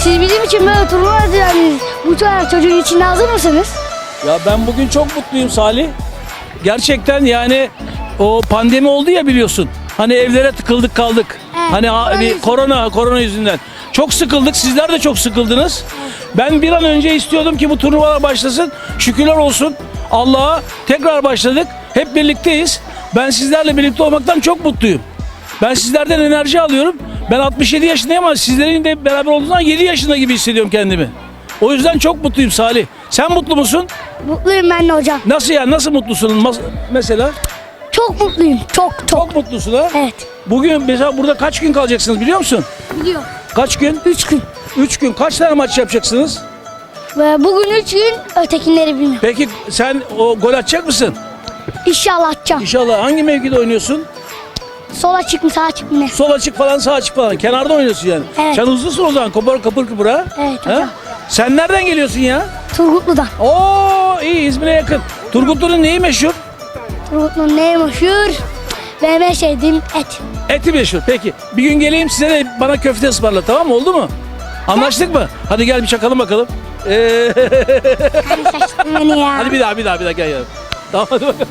Siz bizim için böyle turnuva düzenlediniz. Bu kadar çocuğun içinde hazır mısınız? Ya ben bugün çok mutluyum Salih. Gerçekten yani o pandemi oldu ya biliyorsun. Hani evlere tıkıldık kaldık. Evet, Hani korona yüzünden. Çok sıkıldık. Sizler de çok sıkıldınız. Ben bir an önce istiyordum ki bu turnuvalar başlasın. Şükürler olsun Allah'a tekrar başladık. Hep birlikteyiz. Ben sizlerle birlikte olmaktan çok mutluyum. Ben sizlerden enerji alıyorum. Ben 67 yaşındayım ama sizlerin de beraber olduğundan 7 yaşında gibi hissediyorum kendimi. O yüzden çok mutluyum Salih. Sen mutlu musun? Mutluyum ben de hocam. Nasıl yani? Nasıl mutlusun? Mesela? Çok mutluyum. Çok. Çok mutlusun ha? Evet. Bugün mesela burada kaç gün kalacaksınız biliyor musun? Biliyorum. Kaç gün? 3 gün. 3 gün. Kaç tane maç yapacaksınız? Ve bugün 3 gün ötekileri bilmiyorum. Peki sen o gol atacak mısın? İnşallah atacağım. İnşallah. Hangi mevkide oynuyorsun? Sola çık mı sağa çık mı ne? Sol açık falan, sağ açık falan. Kenarda oynuyorsun yani. Evet. Sen hızlısın o zaman. Kapır kıpır ha? Evet Ha? hocam. Sen nereden geliyorsun ya? Turgutlu'dan. Oo iyi, İzmir'e yakın. Turgutlu'nun neyi meşhur? Turgutlu'nun neyi meşhur? Benim en sevdiğim et. Eti meşhur. Peki bir gün geleyim size de bana köfte ısmarla, tamam mı? Oldu mu? Anlaştık mı? Hadi gel bir çakalım bakalım. Hani şaşırttın beni ya. Hadi bir daha gel. Tamam hadi bakalım.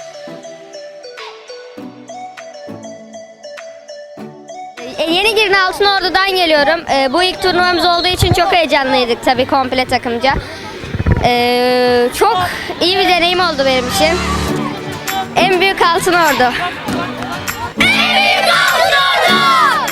Yeni Girne Altınordu'dan geliyorum. Bu ilk turnuvamız olduğu için çok heyecanlıydık tabii komple takımca. Çok iyi bir deneyim oldu benim için. En büyük Altınordu. En büyük Altınordu!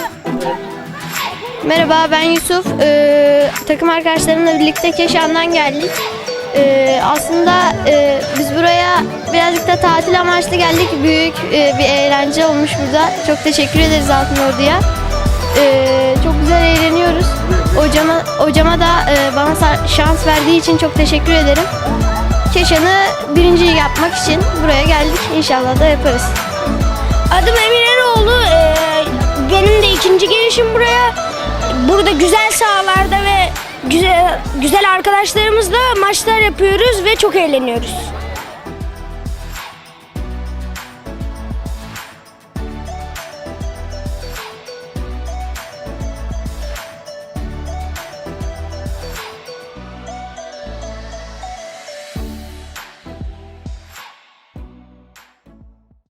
Merhaba, ben Yusuf. Takım arkadaşlarımla birlikte Keşan'dan geldik. Aslında biz buraya birazcık da tatil amaçlı geldik. Büyük bir eğlence olmuş burada. Çok teşekkür ederiz Altınordu'ya. Çok güzel eğleniyoruz. Hocama da bana şans verdiği için çok teşekkür ederim. Keşan'ı birinci yapmak için buraya geldik. İnşallah da yaparız. Adım Emin Eroğlu. Benim de ikinci gelişim buraya. Burada güzel sahalarda ve güzel arkadaşlarımızla maçlar yapıyoruz ve çok eğleniyoruz.